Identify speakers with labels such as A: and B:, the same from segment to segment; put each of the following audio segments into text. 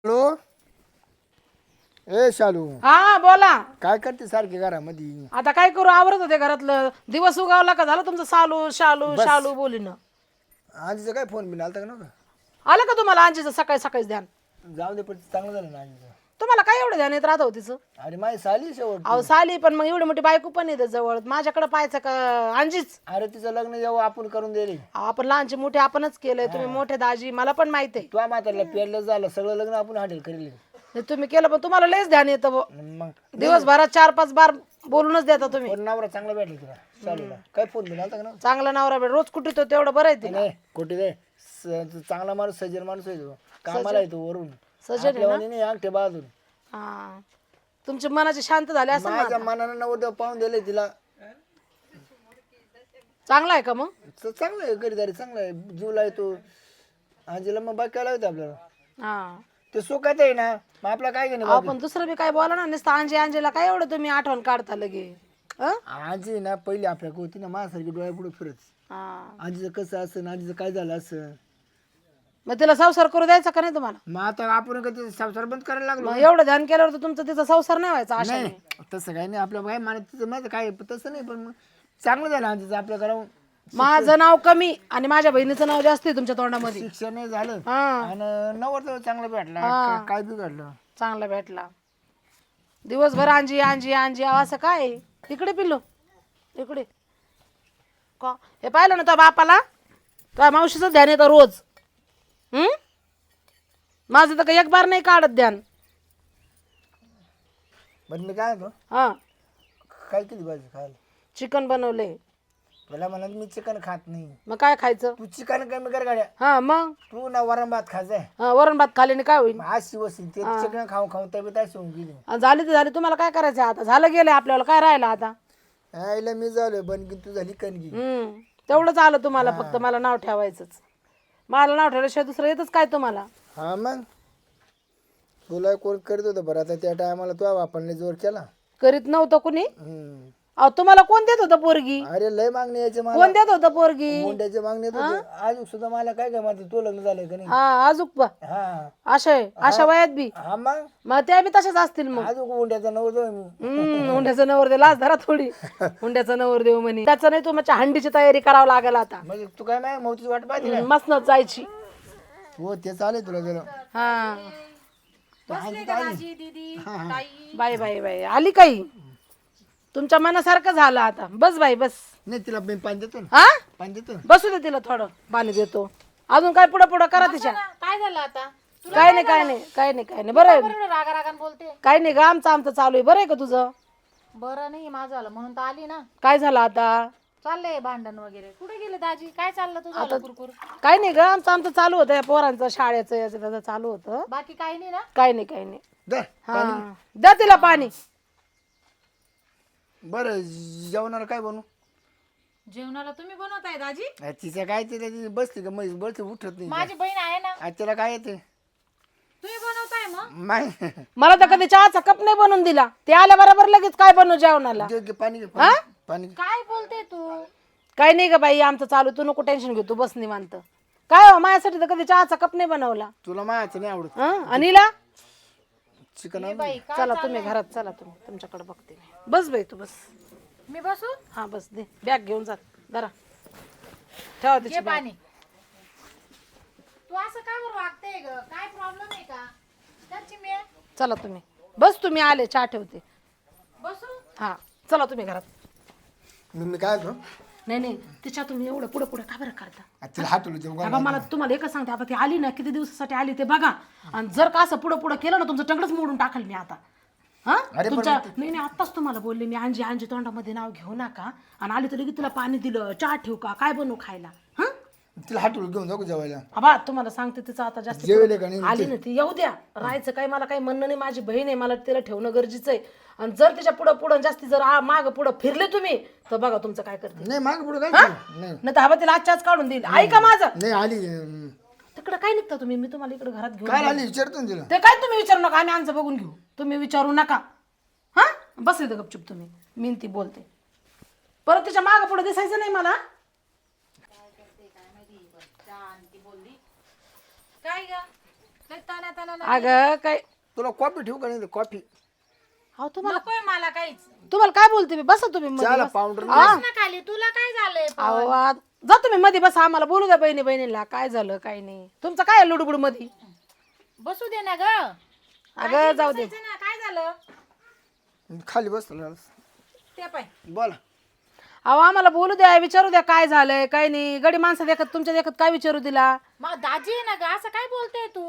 A: Hello. ए शालू,
B: हा बोला.
A: काय करते सारखी घरामध्ये?
B: आता काय करू, आवरत होते घरातलं. दिवस उगावला का झालं तुमचं सालू शालू शालू बोलीन.
A: आजीचा काय फोन बिन आलता का नव्हता?
B: आलं का तुम्हाला आजीचं सकाळी सकाळीच ध्यान?
A: जाऊ दे, पण चांगलं झालं ना आजीचं.
B: तुम्हाला काय एवढं ध्यान येत राहत हो तिचं?
A: अरे माझी साली शेवट.
B: अहो साली, पण मग एवढी मोठी बायको पण येते जवळ, माझ्याकडे पाहायचं का आजीच?
A: अरे तिचं लग्न जेव्हा आपण करून दिले,
B: आपण लहानचे मोठे आपणच केलंय, तुम्ही मोठे दाजी, मला पण माहिती आहे.
A: तुझ्या म्हातारला पेरलं झालं, सगळं लग्न आपण हँडल करेल.
B: हे तुम्ही केलं, पण तुम्हाला लयच ध्यान येतं बुवा.
A: मग
B: दिवसभरात 4-5 बार बोलूनच देता तुम्ही.
A: पण नवरा चांगला भेटला तुला चालूला? काय फोन बिन आलता का नव्हता?
B: चांगला नवरा भेट, रोज कुठे तो तेवढं बरं आहे तिला.
A: नाही कुठे दे, चांगला माणूस सज्जन माणूस आहे तो, कामाला येतो वरून.
B: सजन आहे
A: आपल्यावानी नाही अंगठे बाजून.
B: हा, तुमच्या मनाची शांत झाले असं ना.
A: माझ्या मनानं नवरदेव पाहून दिले तिला.
B: चांगला आहे का मग?
A: चांगलं आहे, घरीदारी चांगला आहे, जीवला येतो. आजीला मग बाकी काय लावते आपल्याला?
B: हा,
A: ते सुखात आहे ना, मग आपला काय घेणे.
B: आपण दुसरं बी काय बोला ना, नुसतं अंजीला काय एवढं तुम्ही आठवण काढता लगे.
A: आजी ना पहिली आपल्याकडे होती ना, माझ्यासारखी डोळ्या पुढे फिरत. आजीचं कसं असं, आजीचं काय झालं असं.
B: मग तिला संसार करू द्यायचा का नाही तुम्हाला?
A: मग आता आपण कधी संसार बंद करायला लागलो.
B: मग एवढं ध्यान केल्यावर तर तुमचा तिचा संसार नाही व्हायचा अशा
A: नाही तसं काही नाही, आपल्या काय मानत तिचं माहिती काय तसं नाही, पण मग चांगलं झालं आजीचं आपल्या घरावर.
B: माझं नाव कमी आणि माझ्या बहिणीचं नाव जास्त आहे तुमच्या तोंडामध्ये.
A: शिक्षण झालं
B: हा,
A: आणि नवरदेव चांगलं भेटला, काय बिघडलं.
B: चांगला भेटला. दिवसभर अंजी अंजी अंजी असं काय? इकडे पिल्लो, इकडे का हे पाहिलं ना तो बापाला, तो मावशीचं ध्यान येतं रोज. माझं तर काही एक बार नाही काढत ध्यान.
A: पण मी काय होतो,
B: हा,
A: काय किती भाजी खायला?
B: चिकन बनवले.
A: मला म्हणत मी चिकन खात नाही.
B: मग काय खायचं?
A: तू चिकन कमी कर गाड्या,
B: हा मग
A: तू ना वरण भात खायचंय.
B: वरण भात खाल्याने काय होईल?
A: आज शिवसी ते चिकन खाऊन खाऊन तब्येत अशी होऊन गेली.
B: झाली तर झाली, तुम्हाला काय करायचं आता? झालं गेलं आपल्याला, काय राहिलं आता?
A: आईला मी झालोय बनगी, तू झाली कणगी.
B: तेवढंच आलं तुम्हाला, फक्त मला नाव ठेवायचंच. मला नाव ठेवल्याशिवाय दुसरं येतच काय तुम्हाला?
A: हा मग तुला कोण करत होतं बरं, आता त्या टायमाला तू आपण जोर केला.
B: करीत नव्हतं कुणी. अहो तुम्हाला कोण देत होतं पोरगी?
A: अरे लय मागणी यायचे मला,
B: कोण देत होतं पोरगी?
A: मुंड्याचे मागणी येत होते. आज सुद्धा मला काय काय म्हणते, तू लग्न झालंय का नाही?
B: हा, अजूक
A: हा
B: अशा वयात बी
A: हा मग
B: त्या बी तशाच असतील मग.
A: अजून मुंड्याचा नवरदेव मी.
B: हुंड्याचं नवरदेव लाच धरा थोडी. हुंड्याचं नवरदेव म्हणे, त्याचं नाही, तुमच्या हंडीची तयारी करावं लागेल आता.
A: म्हणजे तू काय नाही मोतीची वाट पाहिजे.
B: मसनच जायची.
A: हो ते चालेल तुला जरा.
B: हा,
A: हा
B: बाई बाई बाई आली काही, तुमच्या मनासारखं झालं आता. बस बाई बस.
A: नाही तिला मी पाणी देतो ना,
B: हा,
A: पाणी देतो ना.
B: बसू दे तिला, थोडं पाणी देतो. अजून काय पुढं पुढं करा तिच्या.
C: काय झालं आता?
B: काय नाही काय नाही काय नाही काय नाही, बरं आहे.
C: एवढं रागारागान बोलते.
B: काय नाही ग, आमचं चालू आहे. बरं आहे का तुझं?
C: बरं नाही माझं आलं म्हणून तर आली ना.
B: काय झालं आता?
C: चाललंय भांडण वगैरे. कुठे गेले दाजी? काय चाललं तुझं कुरकुर?
B: काय नाही ग, आमचं चालू होतं, या पोरांचं शाळेचं याचं त्याचं चालू होतं.
C: बाकी काही नाही ना?
B: काय नाही काय नाही.
A: दे
B: हा, द्या तिला पाणी.
A: बरं जेवणाला काय बनवू?
C: जेवणाला तुम्ही बनवताय दाजी?
A: तिचं काय ते बसली का म्हैस बसते उठत नाही.
C: माझी बहीण आहे ना.
A: आज तिला काय येते?
C: तुम्ही बनवताय मग?
A: नाही
B: मला तर कधी चहाचा कप नाही बनवून दिला. ते आल्या बरोबर लगेच काय बनवू जेवणाला.
A: घे, घे, पाणी घे, पाणी पाणी घे.
C: काय बोलते तू?
B: काय नाही ग बाई, आमचं चालू, तू नको टेन्शन घेऊ, तू बस निवांत. काय हो, माझ्यासाठी तर कधी चहाचा कप नाही बनवला.
A: तुला मायाचं नाही आवडत
B: अनिला,
A: चिकन.
C: बाई काय?
B: चला तुम्ही घरात, चला तुम्ही, तुमच्याकडे बघते मी. बस बाई तू बस.
C: मी बसू?
B: हा बस, दे बॅग घेऊन जात जरा, ठेवा
C: घे
B: तिची bag.
C: पाणी. तू असं काय बरं वागते ग? काय प्रॉब्लेम आहे का? त्याची मी
B: चला तुम्ही बस, तुम्ही आले, चहा ठेवते.
C: बसू?
B: हा चला तुम्ही घरात.
A: मी काय होतो,
B: नाही नाही, तिच्या तुम्ही एवढं पुढे पुढे का बरं करता?
A: तिला हाटवलं जेवण.
B: बाबा मला तुम्हाला एकच सांगते, आता ती आली ना, किती दिवसासाठी आली ते बघा. आणि जर का असं पुढं पुढं केलं ना, तुमचं टंगडच मोडून टाकल मी आता. हा, तुमच्या नाही नाही, आत्ताच तुम्हाला बोलले मी, अंजी अंजी तोंडामध्ये नाव घेऊ नका. आणि आली तर लगेच तिला पाणी दिलं, चहा ठेवू का, काय बनवू खायला? हा,
A: तिला हाटवलं घेऊन जाऊ का जेवायला?
B: आबा तुम्हाला सांगते, तिचं आता जास्त
A: जेवले का नाही?
B: आली ना ती, येऊ द्या. राहायचं काय मला काही म्हणणं नाही, माझी बहीण आहे, मला तिला ठेवणं गरजेचं आहे. आणि जर तिच्या पुढं पुढं जास्ती जर माग पुढं फिरले तुम्ही, तर बघा तुमचं काय करते.
A: नाही माग पुढे काय नाही.
B: नाही तर हवा तिला आजच्याच काढून देईल. ऐका माझं.
A: नाही आली
B: तिकडे काय निघता तुम्ही, मी तुम्हाला इकडे घरात घेऊन
A: काय आली विचारतो ना तिला.
B: ते काय तुम्ही विचारू नका, आम्ही आमचं बघून घेऊ, तुम्ही विचारू नका. हा, बस इथं गपचूप तुम्ही, मी ती बोलते. परत तिच्या माग पुढे दिसायचं नाही मला.
C: काय ग? लय ताना
B: अगं काय
A: तुला कॉफी ठेवू का नाही कॉफी
B: अहो तुम्हाला
C: नकोय मला काहीच.
B: तुम्हाला काय बोलते मी बसा तुम्ही मध्ये
A: चला
B: बसा.
A: पावडर
C: बस ना खाली, तुला काय झालंय?
B: अहो जा तुम्ही मध्ये बसा आम्हाला बोलू द्या बहिणीला काय झालं काय नाही तुमचं काय आहे लुडबुड मध्ये
C: बसू दे ना ग.
B: अगं जाऊ दे
C: बसायचं ना, काय झालं
A: खाली बस
C: ते पाय.
A: बोला.
B: अहो आम्हाला बोलू द्या विचारू द्या काय झालंय काय नाही गडी माणसं देखत तुमच्या देखत काय विचारू दिला
C: मग दाजी आहे ना ग, असं काय बोलते तू?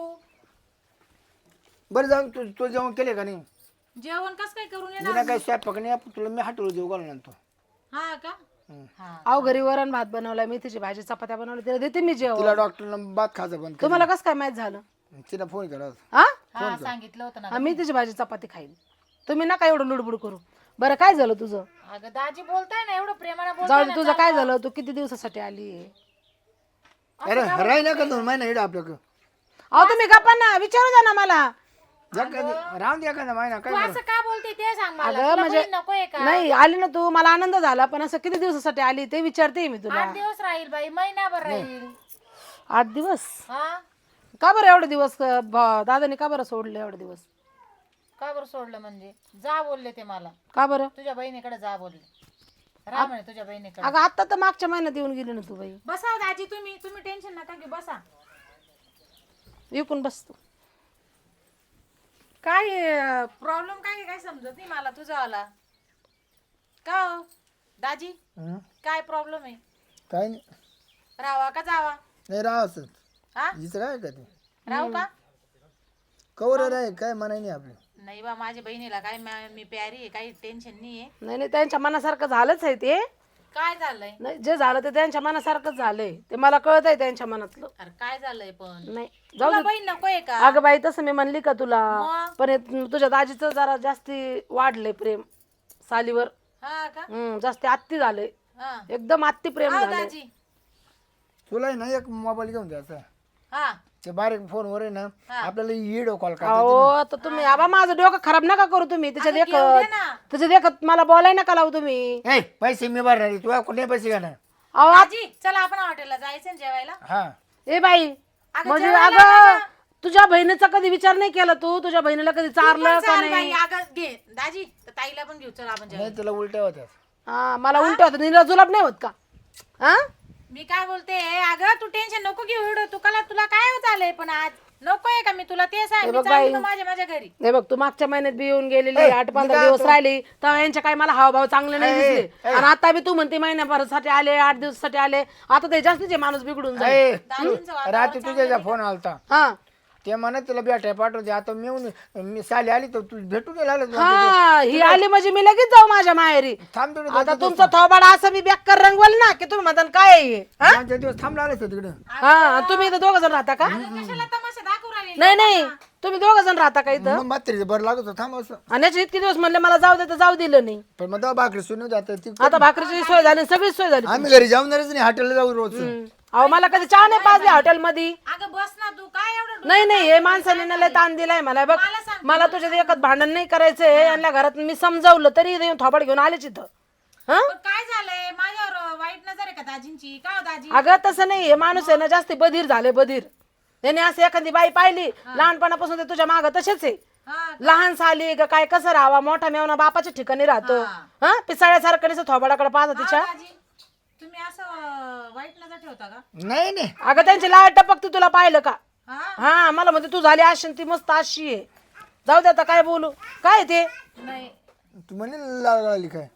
A: बरं जाऊन तू जेवण केले का नाही?
C: जेवण कस काय करून येणार?
A: जिना काय स्वयंपाक नाही आपण तुला मी हॉटेल जेव घालून आणतो.
C: हा का? हा.
B: अहो घरी वरण भात बनवलाय मेथीची भाजी चपात्या बनवल्या तिला देते मी जेवण
A: तिला डॉक्टरनं भात खायचं बंद
B: तुम्हाला कसं काय माहित झालं
A: कर. तिला फोन केला होता.
B: हा
C: हा सांगितलं होतं ना.
B: हा, मेथीची भाजी चपाती खाईल तुम्ही नका एवढं लुडबुड करू बरं काय झालं तुझं
C: अगं दाजी बोलताय ना, एवढं प्रेमाने
B: जाऊ
C: बोलताय
B: दे
C: ना.
B: तुझं काय झालं तू किती दिवसासाठी आली
A: अरे राही ना का 2 महिना इकडे आपल्याकडं
B: अहो तुम्ही गप्पा ना विचारू द्या ना मला
A: राहून द्या का महिना काय
C: तू असं का बोलते ते सांग मला.
B: अगं
C: तुला
B: म्हणजे
C: बहीण नकोय का?
B: नाही आली ना तू मला आनंद झाला पण असं किती दिवसासाठी आली ते विचारते मी तुला
C: 8 दिवस राहील बाई, महिनाभर राहील.
B: 8 दिवस
C: हा
B: का बरं एवढे दिवस दादाने का बरं सोडले एवढे दिवस
C: का बरं सोडलं म्हणजे? जा बोलले ते मला,
B: का बरं
C: तुझ्या बहिणीकडे जा बोलले. राहा म्हणे तुझ्या बहिणीकडे.
B: अगं आता तर मागच्या महिन्यात येऊन गेली ना तू बाई
C: बसा दाजी, तुम्ही टेन्शन नका घेऊ, बसा.
B: विकून बस तू
C: काय प्रॉब्लेम काय समजत नाही मला तुझा आला का हो? दाजी
A: हं?
C: काय प्रॉब्लेम आहे?
A: काय नाही
C: राहावा का जावा?
A: नाही राहावं
C: हा
A: हिचं काय का ते
C: राहू का?
A: कवर राही काय म्हणाय नाही आपलं.
C: नाही बा, माझ्या बहिणीला काय मी प्यारी आहे, काही टेन्शन नाही आहे.
B: नाही नाही त्यांच्या मनासारखं झालंच आहे ते
C: काय झालंय?
B: नाही जे झालं ते त्यांच्या मनासारखंच झालंय ते मला कळत आहे त्यांच्या मनातलं
C: अरे काय झालंय पण?
B: नाही जाऊ
C: तुला
B: दे
C: बहीण नकोय का?
B: अगं बाई तसं मी म्हणली का तुला
C: मग?
B: पण हे तुझ्या दाजीचं जरा जास्ती वाढलंय प्रेम सालीवर
C: हा का?
B: जास्ती आत्ती झालंय
C: हा
B: एकदम आत्ती प्रेम
C: हा,
B: झालंय
C: दाजी.
A: तुला आहे ना एक मोबाईल घेऊन द्यायचा
C: हा
A: ते बारीक फोनवर आहे ना आपल्याला व्हिडिओ कॉल करता
B: अहो आता तुम्ही आबा माझं डोकं खराब नका करू तुम्ही त्याच्या
C: घेऊ दे
B: देखत
C: ना.
B: त्याच्या देखत मला बोलाय नका लावू तुम्ही
A: ए पैसे मी भरणार आहे. तुला कुठे पैसे घेणार
B: अहो
C: दाजी चला आपण हॉटेलला जायचं ना जेवायला.
A: हा
B: ए बाई
C: अगं
B: म्हणजे
C: जेवायला
B: अगं तुझ्या बहिणीचा कधी विचार नाही केला तू तुझ्या बहिणीला कधी चारलं का
C: चाल
B: नाही
C: बाई, अगं घे दाजी, तर ताईला पण घेऊ, चला आपण जेवायला.
A: नाही तुला उलट्या होत्या
B: हा मला उलट होत नीला जुलाब नाही होत का हा
C: मी काय बोलते, अगं तू टेन्शन नको घेऊ एवढं. तुला काय झालंय पण आज नकोय का? मी तुला ते सांग, मी चालली मग माझ्या घरी.
B: हे बघ तू मागच्या महिन्यात बी येऊन गेलेली 8-15 दिवस राहिली तेव्हा यांच्या काही मला हावभाव चांगले नाही दिसले आणि आता बी तू म्हणते महिन्याभरासाठी आले 8 दिवसासाठी आले आता ते जास्तीचे माणूस बिघडून जाईल
A: ए,
C: दाजींचं वातावरण
A: रात्री तुझ्या फोन आलता
B: हा
A: ते म्हणत तुला भेटाय पाठवते आता मी साली आली तर तू भेटून गेला
B: हा ही आली म्हणजे मी लगेच जाऊ माझ्या माहेरी
A: थांब थोडं
B: आता तुमचा थोबाड असं मी बेकार रंगवल ना की तुम्ही म्हणता काय आहे हे? हा?
A: 5 दिवस थांबला आलेस तिकडे
B: हा तुम्ही इथं 2 जण राहता का
C: कशाला तमाशा दाखवू राहिली?
B: नाही नाही तुम्ही 2 जण राहता का इथं
A: मग म्हातारीचं बरं लागत होतं, थांब असं
B: आणि याचे इतके दिवस म्हणले मला जाऊ दे तर जाऊ दिलं नाही
A: पण मग तेव्हा भाकरी सुनू जात ती
B: आता भाकरीची सोय झाली सगळी सोय झाली
A: आम्ही घरी जाऊनच नाही हॉटेलला जाऊ रोज
B: अहो मला कधी चहा नाही पाजली हॉटेल मध्ये
C: अगं बस ना तू, काय एवढं
B: नाही नाही हे माणसाने ना लय ताण दिलाय मला बघ मला तुझ्या एकच भांडण नाही करायचंय यांना घरात मी समजावलं तरी इथे येऊन थोबाड घेऊन आलेच इथं हा
C: पण काय झालंय? माझ्यावर वाईट नजर आहे का दाजींची? का हो दाजी?
B: अगं तसं नाही हे माणूस आहे ना जास्ती बधीर झाले बधीर त्याने असं एखादी बाई पाहिली लहानपणापासून ते तुझ्या मागं तसेच आहे
C: हा
B: लहान साली का काय कसं राहावा मोठा मेवना बापाच्या ठिकाणी राहतो हा पिसाळ्यासारखं नुसतं थोबाडाकडे पाहत तिच्या
C: दाजी तुम्ही असं वाईट नजर ठेवता का?
A: नाही नाही
B: अगं त्यांची लाळ टपकती तुला पाहिलं का
C: हा
B: हा मला म्हणते तू झाली अशी ती मस्त अशी आहे जाऊ दे आता काय बोलू काय ते
C: नाही
A: तू म्हणे लागली काय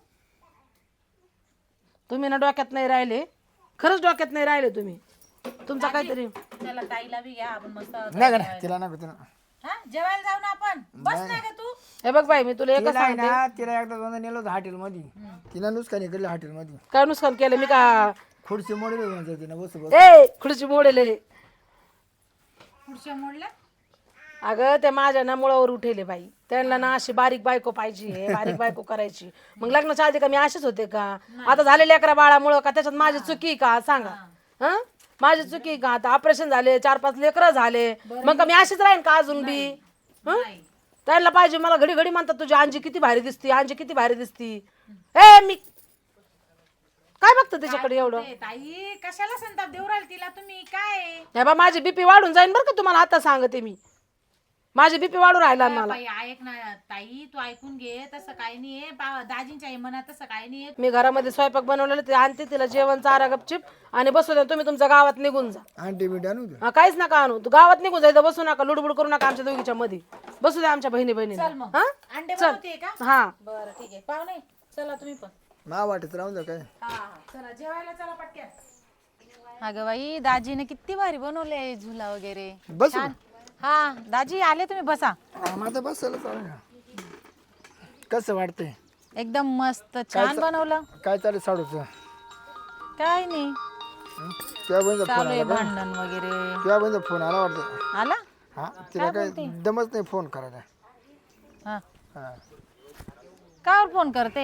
B: तुम्ही ना डोक्यात नाही राहिले खरंच डोक्यात नाही राहिले तुम्ही तुमचा काहीतरी
C: त्याला ताईला बी घ्या आपण मस्त.
A: नाही का नाही तिला नको तिला
C: हा जेवायला जाऊ ना आपण. बस नाही का तू?
B: हे बघ बाई मी तुला एकच
A: तिला आहे
B: सांगते
A: ना तिला एकदा दोनदा नेलं होतं हॉटेलमध्ये तिला नुसकान केलं हॉटेलमध्ये
B: काय नुकसान केलं मी का
A: खुर्ची मोडली म्हणजे तिनं बस बस
B: ए खुर्ची मोडेले
C: पुढच्या मोडल्या
B: अगं ते माझ्या ना मुळावर उठेले बाई त्यांना ना अशी बारीक बायको पाहिजे बारीक बायको करायची मग लग्नाच्या आधी का मी असेच होते का आता झाले लेकरा बाळामुळं का त्याच्यात माझी चुकी का सांगा हा माझी चुकी का आता ऑपरेशन झाले 4-5 लेकरं झाले मग का मी अशीच राहीन का अजून बी
C: नाही.
B: त्यांना पाहिजे मला घडी घडी म्हणतात तुझी आंजी किती भारी दिसती आंजी किती भारी दिसती ए मी काय बघतो त्याच्याकडे एवढं
C: ए, ताई कशाला संताप देऊ राहिली तिला तुम्ही? काय
B: नाही बा माझी बीपी वाढून जाईन बरं का तुम्हाला आता सांगते मी माझे बीपी वाढू राहिला मला.
C: बाई ऐक ना ताई, तू ऐकून घे. तसं काही नाहीये, दाजींच्या आई मनात तसं काही नाहीये.
B: मी घरामध्ये स्वयंपाक बनवलेलं ते आणते, तिला जेवण चारा गपचिप आणि बसू द्या. तुम्ही तुमच्या गावात निघून जा.
A: आंटी बिटी आणू द्या.
B: हा, काहीच नका आणू. तू गावात निघून जायचं, बसू नका, लुडबुड करू नका आमच्या दोघीच्या मध्ये. बसू द्या आमच्या बहिणी बहिणी.
C: चल मग
B: हा
C: अंडे बनवते का?
B: हा
C: बरं ठीक आहे. पाहुणे चला तुम्ही पण.
A: मा वाटत राहून द्या काय.
C: चला जेवायला चला पटकन. अगं बाई दाजीने किती भारी बनवले झुला वगैरे.
A: बस
C: हा दाजी आले, तुम्ही बसा.
A: आता बसायला चालेल ना. कसं वाटतंय?
C: एकदम मस्त छान बनवलं.
A: काय चालेल साडूचं?
C: काय नाही,
A: तुझ्या बहिणीचा फोन
C: चालू आहे
A: आला का?
C: भांडण वगैरे.
A: तुझ्या बहिणीचा फोन आला वाटतं.
C: आला
A: हा तिला काय दमच नाही फोन करायला.
C: हा
A: हा
C: कावर फोन करते?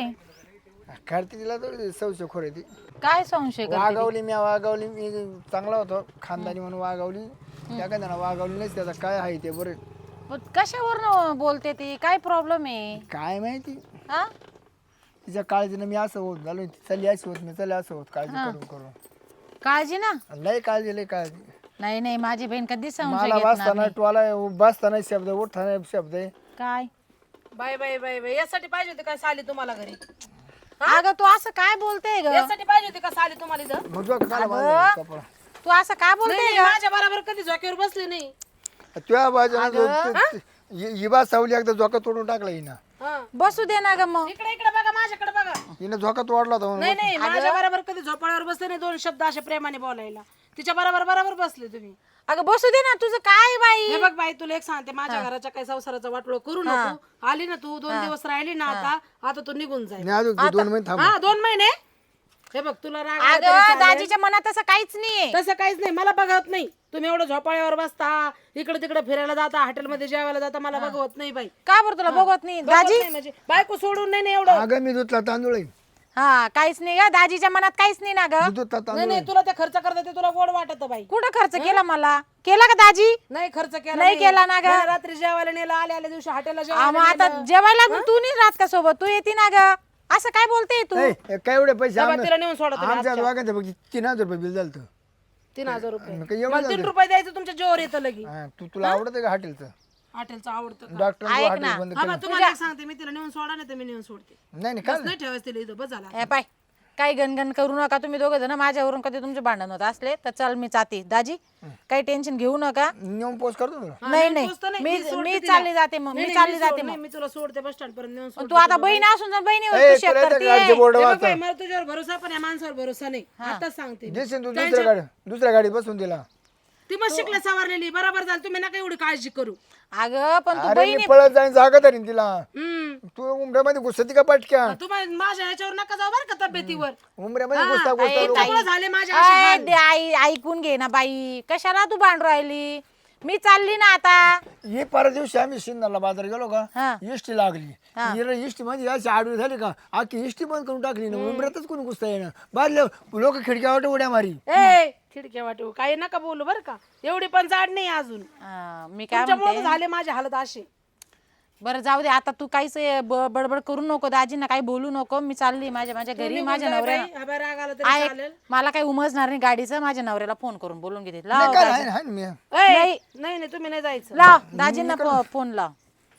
A: करते तिला थोडी संशय खोर ती.
C: काय संशय करते?
A: वागवली मी चांगला होतो खानदानी म्हणून वागवली. एखाद्याला वागवली नाही त्याचा काय आहे ते बरं.
C: कशावर बोलते ती? काय प्रॉब्लेम आहे?
A: काय माहिती
C: हा
A: तिच्या काळजीनं मी असं होत झालो. चालली अशी होत मी चालली असं होत काळजी करून करून.
C: काळजी ना?
A: लय काळजी लय काळजी.
C: नाही नाही, माझी बहीण कधी संशय
A: मला
C: घेत
A: वाचताना
C: नाही.
A: टोला बसताना शब्द उठताना शब्द आहे.
C: काय
B: बाय बाय बाय बाय. यासाठी पाहिजे होती काय साली तुम्हाला घरी?
C: अगं तू असं काय बोलते ग?
B: यासाठी पाहिजे होती का साली तुम्हाला इथं?
A: मग जो काला बांधला कपडा.
C: तू असं काय बोलते?
B: नाही, माझ्या बरोबर कधी झोक्यावर बसली नाही.
A: तुझ्या बाजूला हिबा सावली एकदा झोका तोडून टाकला हिनं.
B: हा.
C: बसू दे ना ग मग.
B: इकडे इकडे बघा, माझ्याकडे बघा.
A: हिनं झोका तोडला होता म्हणून.
B: नाही नाही, माझ्या बरोबर कधी झोपाळ्यावर बसले नाही. दोन शब्द असे प्रेमाने बोलायला. तिच्या बरोबर बरोबर बसले तुम्ही.
C: अगं बसू दे ना, तुझं काय बाई?
B: हे बघ बाई, तुला एक सांगते, माझ्या घराच्या काही संसाराचा वाटोळ करू नको. आली ना तू, 2 दिवस राहिली ना, आता तू निघून जाईल.
A: नाही अजून 2 महिने थांब.
B: हा 2 महिने. हे बघ तुला राग आला तरी
C: अगं
B: चालेल.
C: दाजीच्या मनात असं काहीच नाहीये.
B: तसं काहीच नाही, मला बघवत नाही. तुम्ही एवढं झोपाळ्यावर बसता, इकडे तिकडे फिरायला जाता, हॉटेलमध्ये जेवायला जाता, मला बघवत नाही बाई.
C: का बरं तुला बघवत नाही?
B: बघवत
C: दाजी
B: नाही म्हणजे बायको सोडून नाही एवढं.
A: अगं मी दुधला तांदूळ आहे.
C: हा काहीच नाही ग, दाजीच्या मनात काहीच नाही ना ग.
A: मी दुधला तांदूळ
B: नाही नाही, तुला ते खर्च करता ते तुला गोड वाटत बाई.
C: कुठं खर्च केला मला? केला का दाजी?
B: नाही खर्च केला
C: नाही केला ना ग.
B: नाही, रात्री जेवायला नेलं, आल्या दिवशी हॉटेलला
C: मग
B: जेवायला
C: आता जेवायला मग तू नाही राहत का सोबत? तू येते ना ग. असं काय बोलते तू?
A: ए, काय एवढे पैसे
B: नेलं. तिला नेऊन सोडा तुम्ही.
A: आमच्या दोघांचं बघ 3000 रुपये बिल झालं.
B: 3000 रुपये.
A: मग काय एवढं
B: मला 3 रुपये द्यायचं तुमच्या जोर येतं लगी.
A: तुला आवडतं का हॉटेलचं?
B: हॉटेलचं आवडतं का?
A: डॉक्टर हॉटेल बंद
B: हा बा, तुम्हाला एक सांगते, मी तिला नेऊन सोडा नाही तर मी नेऊन सोडते.
A: नाही नाही काय
B: बस नाही ठेवायचं तिला इथं, बस झाला.
C: ए पाय काही गणगण करू नका तुम्ही दोघं जण. माझ्यावरून कधी तुमचे भांडण होत असले तर चल मी जाते. दाजी काही टेन्शन घेऊ नका.
A: नेऊन पोस्ट करतो तुला.
C: नाही नाही,
B: पोचतं नाही,
C: मी
B: सोडते
C: मी
B: तिला.
C: चालली जाते मग.
B: नाही,
C: मी
B: नाही,
C: चालली
B: मी
C: जाते
B: सोड-
C: मग.
B: नाही, मी तुला सोडते बस स्टँड पर्यंत नेऊन सोडते.
C: तू आता बहीण असून जर बहिणीवर
A: ए,
C: तू शेक
A: तुला इथं
C: करते.
A: गाडीचे बोर्ड
B: हे बघ
A: वाचा.
B: बाई, मला तुझ्यावर भरोसा आहे, पण या माणसावर भरोसा नाही. आताच सांगते मी.
A: देशील तू दुसऱ्या गाडी बसून दिला.
B: ती मग शिकल्या सवारलेली बरोबर झाली. तुम्ही नका एवढी काळजी करू.
C: अगं पण तू
A: अरे
C: बहिणी
A: मी पळत जाईन जागा धरीन तिला.
B: हम्म.
A: तू उमऱ्यामध्ये घुसती का पटक्या?
B: तुम्हाला माझ्या ह्याच्यावर नका जाऊ बरं का तब्येतीवर.
A: उमऱ्यामध्ये घुसता
B: त्यामुळे झाले माझ्या असे
C: अय,
B: हाल.
C: दे आई ऐकून घे ना बाई. कशाला तू भांडू राहिली? मी चालली ना आता.
A: हे परवा दिवशी आम्ही सिन्नरला बाजार गेलो
C: हा.
A: का इष्टी लागली. इष्टी मध्ये अशी आडवी झाली का आखी इष्टी बंद करून टाकली ना. उमऱ्यातच कोणी घुसता येणं बाजले लोक खिडक्यावर उड्या मारी.
B: ए खिडक्या वाटू काही नका बोलू बरं का. एवढी पण जाड नाही अजून.
C: मी काय
B: तुमच्यामुळे
C: म्हणते,
B: झाले माझे हालत असे.
C: बरं जाऊ दे आता. तू काहीच बडबड करू नको. दाजींना काही बोलू नको. मी चालली माझ्या घरी. माझ्या नवऱ्याला
B: बाई, हा बाई, राग आला तरी
C: ऐक,
B: चालेल.
C: मला काही उमजणार नाही गाडीचं. माझ्या नवऱ्याला फोन करून बोलून घेते. लाव
A: काय
C: दाजी.
A: आहे ना मी.
B: ए,
C: नाही.
B: नाही नाही, तुम्ही नाही जायचं.
C: लाव दाजींना फोन लाव.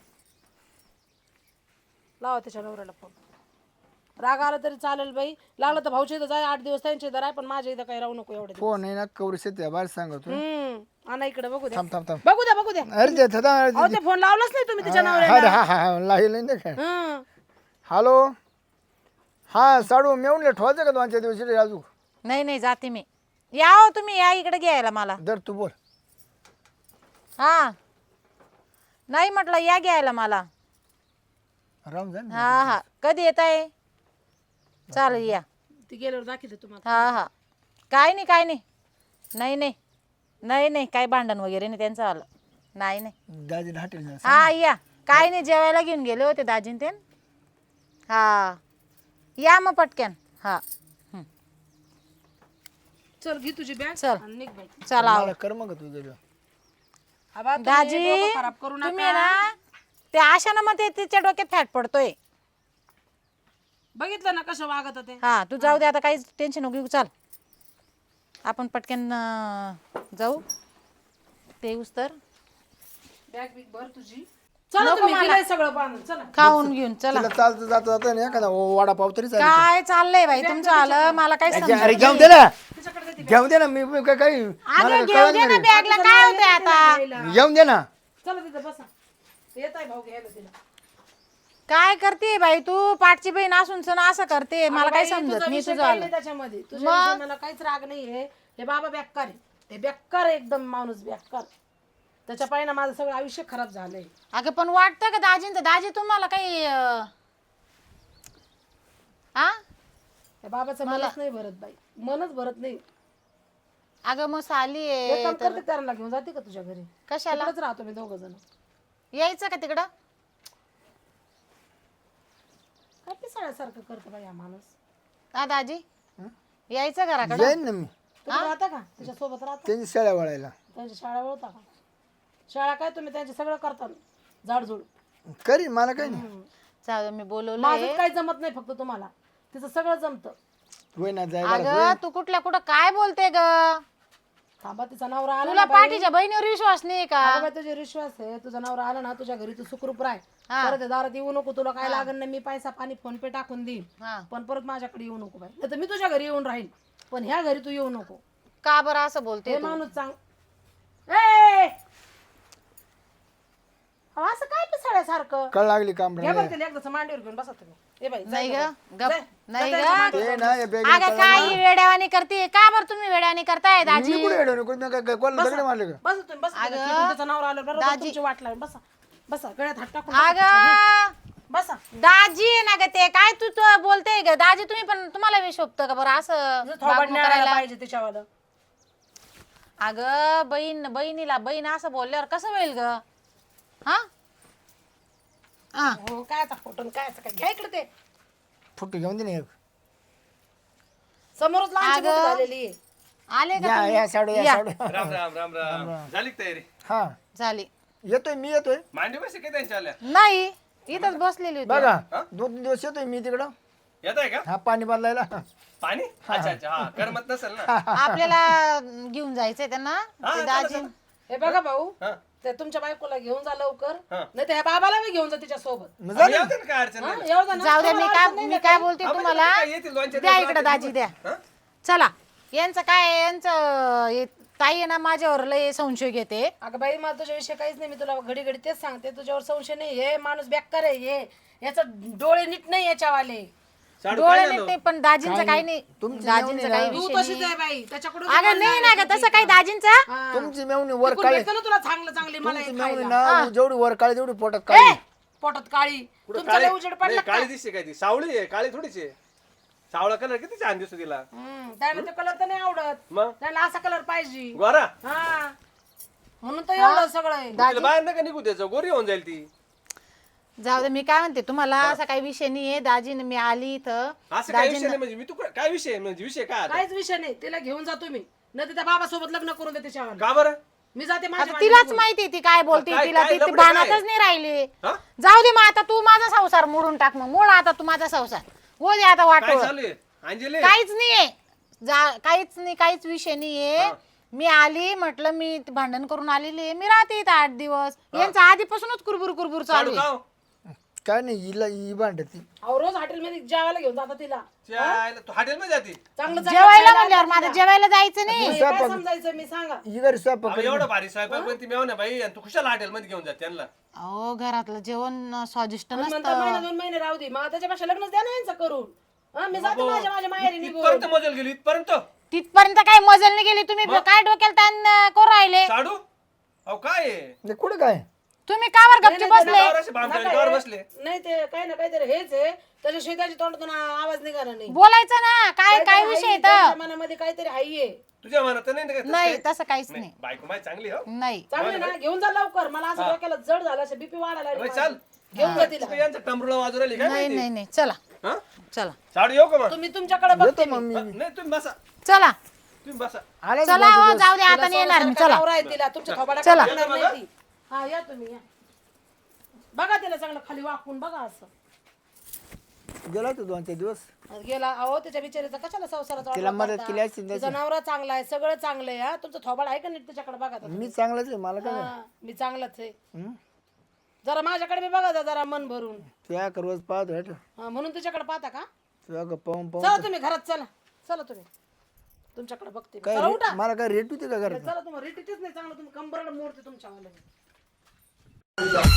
B: लावा त्याच्या नवऱ्याला फोन. राग आला तरी चालेल बाई. लागलं तर भाऊच्या इथं जाय, 8 दिवस त्यांच्या इथं राह, पण माझ्या इथं काही राहू नको एवढे दिवस.
A: फोन आहे ना कवरी शेती बाहेर सांगतो.
B: आणा इकडे बघू द्या.
A: थांब थांब थांब.
B: बघू द्या बघू द्या.
A: अरे ते थदा
B: अहो ते फोन लावलाच नाही तुम्ही तिच्या नवऱ्याला.
A: हा लावलं नाही काय.
B: हं.
A: हॅलो हा साडू मेवून ठेवायचं का 2-4 दिवस अजून?
C: नाही नाही जाते मी. या हो तुम्ही या इकडे घ्यायला मला.
A: दर तू बोल.
C: हा नाही म्हटलं या घ्यायला मला.
A: राम जाण.
C: हा हा कधी येत आहे? चालेल या.
B: ती गेल्यावर दाखवते तुम्हाला.
C: हा हा काय नाही काय नाही. नाही नाही नाही नाही काय भांडण वगैरे नाही त्यांचं आलं. नाही नाही.
A: दाजी हॉटेल
C: हा या. काय नाही जेवायला घेऊन गेले होते दाजीन ते. हा या मग पटक्यान. हा
B: चल घे तुझी बॅग
C: चल.
B: आणि निघ बाई.
C: चला
A: मला कर मग तू गेलो.
B: आबा, तुम्ही
C: दाजी
B: डोकं खराब करू
C: तुम्ही
B: नका.
C: ना ते आशाना मग तिच्या डोक्यात फॅट पडतोय.
B: बघितलं ना कसं वागत होते.
C: हा तू जाऊ दे आता. काहीच टेन्शन नको घेऊ. चाल आपण पटकन जाऊ. ते येऊस तर
B: बॅग बिग भर तुझी. चला तुम्ही गेलंय सगळं बांधून चला.
C: खाऊन घेऊन चला.
A: तिला चालतं जाता जाता नाही एखादा वडापाव तरी चालेल.
C: काय चाललंय बाई तुमचं आलं मला काय समजत
A: अरे घेऊन दे ना, घेऊन दे ना. मी काही मला
C: घेऊ दे ना बॅगला काय होतंय आता.
A: घेऊन दे ना.
B: चला तिथं बसा. येत आहे भाऊ घ्यायला तिला.
C: काय करते बाई तू पाठची बहीण असून सण असं करते मला काय समजत नाही तुझं
B: काही
C: आलं.
B: नाही त्याच्यामध्ये तुझ्या मला काहीच राग नाहीये. हे बाबा बेकार आहे, ते बेकार आहे एकदम माणूस बेकार. त्याच्या पायी ना माझं सगळं आयुष्य खराब झालंय.
C: अगं पण वाटतं का दाजींचं दाजी तुम्हाला काही आ
B: त्या बाबाचं मनच नाही भरत बाई, मनच भरत नाही.
C: अगं मग साली
B: एक काम
C: आहे
B: करते त्यांना घेऊन जाते का तुझ्या घरी?
C: कशाला
B: तिकडेच राहतो मी दोघ जण.
C: यायचं का तिकडं.
B: काय पिसाळ्यासारखं करतो बाई हा माणूस.
C: हा दाजी यायचं घराकडं.
A: जाईन ना मी.
B: तुम्ही राहता का तिच्या सोबत राहता?
A: त्यांची शेळ्या वळायला
B: त्यांची शाळा ओळखता का? शाळा काय तुम्ही त्यांचे सगळं करता झाडझुड.
A: करीन, मला काही नाही.
C: जाऊ मी बोलवलं
B: माझं काही जमत नाही, फक्त तुम्हाला तिचं सगळं जमतं.
A: होय ना, जाय
C: अगं तू कुठल्या कुठं काय बोलते ग.
B: थांबा, तिचा नवरा आला
C: तुला
B: ना बाई.
C: पाठीच्या बहिणीवर विश्वास नाही का.
B: अगं बाई, तुझे विश्वास आहे, तुझा नवरा आला ना तुझ्या घरी, तू सुखरूप राह. परत या दारात येऊ नको, तुला काय लागत नाही, मी पैसा पाणी फोन पे टाकून देईन.
C: हा.
B: पण परत माझ्याकडे येऊ नको बाई, नाही तर मी तुझ्या घरी येऊन राहील, पण ह्या घरी तू येऊ नको.
C: का बरं असं बोलते
B: हे
C: तू?
B: माणूस सांग ए अहो, असं काय पिसाळ्यासारखं.
A: कळ लागली काम
B: घ्या बरं तिला एकदाच मांडीवर घेऊन बसा तुम्ही. ए बाई
C: नाही ग गप
B: जाय.
C: नाही
B: जाय
C: ग.
B: त्यांच्या मांडीवर.
A: ते ना या बॅग
C: अगं काय वेड्यावानी करते का बरं तुम्ही वेड्यावानी करताय दाजी.
A: मी कुठे येणार कोणाला दगड मारले का?
B: बसा तुम्ही, बसा तिला. तिथून त्याचा नवरा आला बरोबर तुमची वाट लागेल. बसा बसा, गळ्यात हात टाकून बसा.
C: अगं
B: बसा.
C: दाजी आहे ना ग ते काय तू बोलते ग दाजी. तुम्ही पण तुम्हाला विष शोभतं का बरं असं
B: थोबाड
C: वागणूक
B: न्यायला
C: करायला.
B: पाहिजे त्याच्यावालं.
C: अगं बहिणीला बहीण असं बोलल्यावर कसं होईल ग. हा
B: हो काय फोटो काय काय घ्या इकडे ते
A: फुटू घेऊन दे ना एक.
B: समोरच लहानशी मोठी झालेली आहे.
C: आले का
A: या
C: तुम्ही?
A: या साडू या
C: या.
A: साडू.
D: राम राम राम राम झाली का तयारी?
A: हा
C: झाली
A: येतोय, मी येतोय.
D: मांडी बसे काय त्यांच्या आल्या?
C: नाही इथंच बसलेली होती.
A: बघा 2-3 दिवस येतोय मी तिकडं.
D: येत आहे का
A: हा पाणी बदलायला.
D: पाणी? अच्छा अच्छा, हा करमत नसेल ना.
C: आपल्याला घेऊन जायचंय त्यांना
D: हा,
C: ते
D: चला,
C: दाजी.
D: चला.
B: हे बघा भाऊ,
D: हा.
B: ते तुमच्या बायकोला घेऊन जा लवकर,
D: हा.
B: नाही तर ह्या बाबाला मी घेऊन जा तिच्या सोबत.
A: मग
D: आम्ही
A: झालं.
D: येतो ना, काय अडचण नाही.
B: येऊ द्या ना.
C: जाऊ द्या
B: तुम्हाला अडचण नाही
C: मी
B: ना
C: काय
B: काही?
C: बोलते
D: हा,
C: तुम्हाला.
D: म्हणजे काय येतील, दोन-चार
C: द्या
D: दिवस
C: इकडे दाजी द्या.
D: हा?
C: चला यांचं काय यांचं ताई आहे ना माझ्यावर लय संशय घेते.
B: अगं बाई, मला तुझ्याविषयी काहीच नाही, मी तुला घडी घडी तेच सांगते, तुझ्यावर संशय नाही. हे माणूस बेकार आहे, हे याचा डोळे नीट नाही याच्यावाले.
D: साडू
C: डोळे
D: काय
C: नाही
D: झालं?
C: ते पण दाजींचं काही नाही.
A: तुमची
C: दाजींचं काही
B: तू
C: विषय
B: तशीच
C: नाही.
B: आहे बाई, त्याच्याकडून
C: अगं नाही ना ग तसं काही दाजींचा.
A: तुमची मेवणी वर काळी,
B: ना तुला चांगलं चांगली मला
A: तुमची
B: हे
A: मेवणी
B: खायला.
A: ना जेवढी वर काळी तेवढी पोटात
B: ए,
A: काळी.
B: पोटात काळी.
D: कुठं
B: तुमचा लय
D: काळी?
B: उजेड पडला
D: नाही,
B: का?
D: काळी दिसते काय ती? सावळी आहे, काळी थोडीच आहे. सावळा कलर किती छान दिसतो तिला.
B: त्याला ते कलर तर नाही आवडत,
D: मग
B: त्याला असा कलर पाहिजे.
D: गोरा
B: हा, म्हणून तर एवढं सगळं आहे.
D: तिला बाहेर नका निघू द्यायचं, गोरी होऊन जाईल ती.
C: जाऊ दे मी काय म्हणते तुम्हाला असा काही विषय नाहीये. दाजीने मी आली इथं
D: असं काय विषय नाही म्हणजे मी तू काय विषय आहे? म्हणजे विषय काय आता?
B: काहीच विषय नाही, तिला घेऊन जा तुम्ही, नाही तर त्या बाबासोबत लग्न करून दे त्याच्यावर.
D: का बरं?
B: मी जाते माझ्या
C: आता तिलाच माहिती ती काय बोलते.
D: काय-
C: तिला
D: काय
C: ती
D: लफडं
C: भानातच
D: काय?
C: नाही राहिली.
D: हा?
C: जाऊ दे मग आता तू माझा संसार मोडून टाक. मग मोड आता तू माझा संसार हो दे आता
D: काय
C: वाटो.
D: चालू आहे अंजली?
C: काहीच नाहीये. काहीच नाही, काहीच विषय नाहीये. मी आली म्हटलं मी भांडण करून आलेली आहे. मी राहते इथं 8 दिवस. यांचं आधीपासूनच कुरबुर कुरबुर चालू
D: साडू
C: आहे.
D: का?
A: काय नाही हिला ही भांडती.
B: अहो, रोज हॉटेलमध्ये जेवायला घेऊन जाता तिला.
D: चायला, तू हॉटेल मध्ये जाते?
B: चांगलं
C: जेवायला म्हणल्यावर माझं जेवायला जायचं नाही.
B: काय समजायचं मी सांगा.
A: ही घरी स्वयंपाक
D: अहो, एवढं भारी स्वयंपाक पण ती मेवण्या बाई आणि तू कुशाला हॉटेल मध्ये घेऊन जात त्यांना?
C: अहो घरातलं जेवण स्वादिष्ट
B: म्हणता
C: नसतं.
B: महिना 2 महिने राहू दे, मग त्याच्यापेक्षा लग्नच द्या ना यांचं करून. हा, मी जाते माझ्या माहेरी निघून.
D: इथपर्यंत मजल गेली, इथपर्यंत.
C: तिथपर्यंत काही मजल नाही गेली. तुम्ही काय डोक्याला ताण करू राहिले.
D: साडू अहो काय आहे?
A: नाही कुठं काय.
C: तुम्ही कावर गपची बसले.
D: गावावर असे भामटाने गावावर बसले.
B: नाही ते काही ना काहीतरी हेच आहे, त्याच्याशिवाय त्याच्या तोंडातून आवाज निघाला नाही.
C: बोलायचं ना काय काय विषय आहे
B: त्यांच्या
C: तर.
B: मनामध्ये काहीतरी हाईये.
D: तुझ्या मनात नाही ना काय तसं
C: नाही
D: काय?
C: तसं काहीच नाही.
D: बायको माय चांगली हो.
C: नाही
B: चांगलं ना, घेऊन जा लवकर. मला असं डोक्याला जड झालं, असं बीपी वाढायला लागली
D: बाई,
B: माझी.
D: चाल.
B: घेऊन जा तिला.
D: तू यांचं टमरुला वाजू राहिली काय
C: नाही
D: माहिती?
C: नाही नाही चला
D: हा?
C: चला
D: साडू येऊ का मग?
B: तुम्ही तुमच्याकडे बघते
A: येतो मग
B: मी.
A: मी.
D: नाही तुम्ही बसा,
C: चला
D: तुम्ही बसा.
A: आले
C: चला हो जाऊ दे आता नाही येणार मी.
B: तिला
C: चला
B: नवरा आहे तिला, तुमच्या थोबाडा
C: चला.
B: काढणार नाही ती. हा, या तुम्ही या. बघा तिला चांगलं खाली वाकून बघा असं.
A: गेला तो 2-3 दिवस.
B: गेला अहो त्याच्या बिचारीचा कशाला संसाराचा
A: तिला
B: वाटोळा
A: मदत
B: करता?
A: केली असती ना
B: तिचा नवरा चांगला आहे सगळं चांगलं आहे. हा तुमचं थोबाड आहे का नीट त्याच्याकडे बघा आता.
A: मी चांगलाच आहे मला काय
B: हा, मी चांगलाच आहे.
A: हं?
B: जरा माझ्याकडे बी बघा जरा मन भरून.
A: त्या रोज पाहतो हट.
B: हा, म्हणून त्याच्याकडे पाहता का?
A: तुझ्या पाहून
B: चला तुम्ही घरात चला. चला तुम्ही तुमच्याकडे बघते मी.
A: काय
B: चला उठा.
A: मला काय रेट होती का घरात?
B: चला तुम्हाला रिटीच नाही चांगलं तुम्ही कंबरड मोडते तुमच्या वाला.